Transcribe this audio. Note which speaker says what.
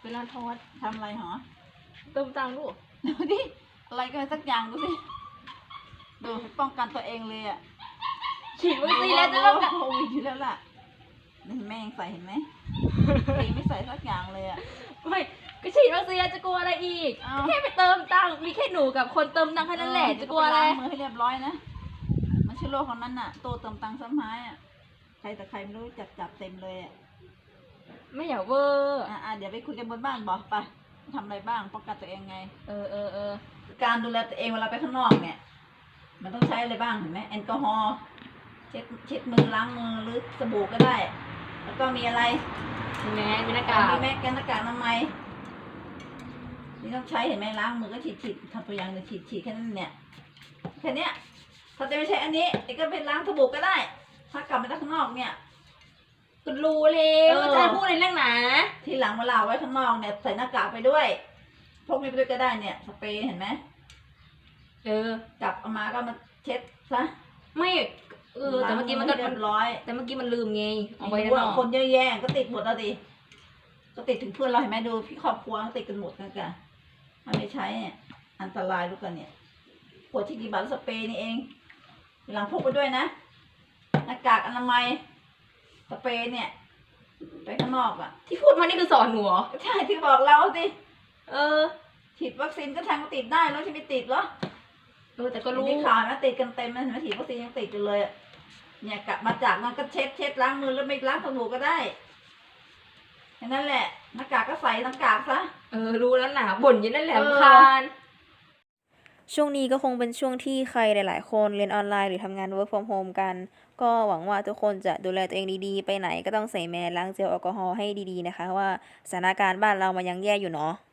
Speaker 1: ลาทอด
Speaker 2: ทำอะไรหรอ
Speaker 1: เติมตังค์ลูก
Speaker 2: ดูดิอะไรก็สักอย่างดูสิดูป้องกันตัวเองเลยอ่ะ
Speaker 1: ฉีดวัคซีนแล้วจะต้อง
Speaker 2: โควิดอยู่แล้วล่ะแม่งใส่เห็นไหมไม่ใส่สักอย่างเลยอ่ะ
Speaker 1: ไม่ก็ฉีดวัคซีนจะกลัวอะไรอีกแค่ไปเติมตังค์มีแค่หนูกับคนเติมตังค์แค่นั้นแหละจะกลัวอะไร
Speaker 2: มือให้เรียบร้อยนะมันชื่อโลกของนั้นน่ะโตเติมตังค์ซ้ำไม้อ่ะใครแต่ใครไม่รู้จับเต็มเลยอ่ะ
Speaker 1: ไม่อยากเวอร์
Speaker 2: เดี๋ยวไปคุยกันบนบ้านบอกไปทำอะไรบ้างป้องกันตัวเองไง
Speaker 1: กา
Speaker 2: ารดูแลตัวเองเวลาไปข้างนอกเนี่ยมันต้องใช้อะไรบ้างเห็นไหมแอลกอฮอล์เช็ดมือล้างมือหรือสบู่ก็ได้แล้วก็มีอะไร
Speaker 1: มีแมสมีหน้ากาก
Speaker 2: มีแมสกันหน้ากากอนามัยนี่ต้องใช้เห็นไหมล้างมือก็ฉีดทำตัวอย่างเลยฉีดแค่นั้นเนี่ยแค่นี้ถ้าจะไม่ใช่อันนี้ก็เป็นล้างสบู่ก็ได้ถ้ากลับมาจากข้างนอกเนี่ย
Speaker 1: คุณรู้เลยว่าจะพูดในเรื่องไหน
Speaker 2: ทีหลังเวลาไว้ข้างนอกเนี่ยใส่หน้ากากไปด้วยพกมีไปด้วยก็ได้เนี่ยสเปรย์เห็นไหมกลับเอามาก็มาเช็ดซะ
Speaker 1: ไม่แต่เมื่อกี้มันก็
Speaker 2: เรียบร้อย
Speaker 1: แต่เมื่อกี้มันลืมไง
Speaker 2: เอาไว้ด้านนอกคนเยอะแยะก็ติดหมดแล้วดิก็ติดถึงเพื่อนเราเห็นไหมดูพี่ครอบครัวก็ติดกันหมดนะกันมันไม่ใช้อันตรายลูกกันเนี่ยขวดที่กี่บาทสเปรย์นี่เองหลังพกไปด้วยนะหน้ากากอนามัยสเปรย์เนี่ยไปข้างนอกอ่ะ
Speaker 1: ที่พูดมานี่คือสอนหนูเหรอ
Speaker 2: ใช่ที่บอกเราสิฉีดวัคซีนก็แทงก็ติดได้แล้วที่ไม่ติดเหรอ
Speaker 1: แต่ก็รู้
Speaker 2: มีข่าวนะติดกันเต็มนะเห็นไหมฉีดวัคซีนยังติดกันเลยเนี่ยกลับมาจากนั้นก็เช็ดล้างมือแล้วไม่ล้างสบู่ก็ได้แค่นั้นแหละหน้ากากก็ใส่หน้ากากซะ
Speaker 1: รู้แล้วหนาบ่นอยังนั่นแหละคาน
Speaker 3: ช่วงนี้ก็คงเป็นช่วงที่ใครหลายๆคนเรียนออนไลน์หรือทำงาน work from home กันก็หวังว่าทุกคนจะดูแลตัวเองดีๆไปไหนก็ต้องใส่แมสล้างเจลแอลกอฮอล์ให้ดีๆนะคะว่าสถานการณ์บ้านเรามันยังแย่อยู่เนาะ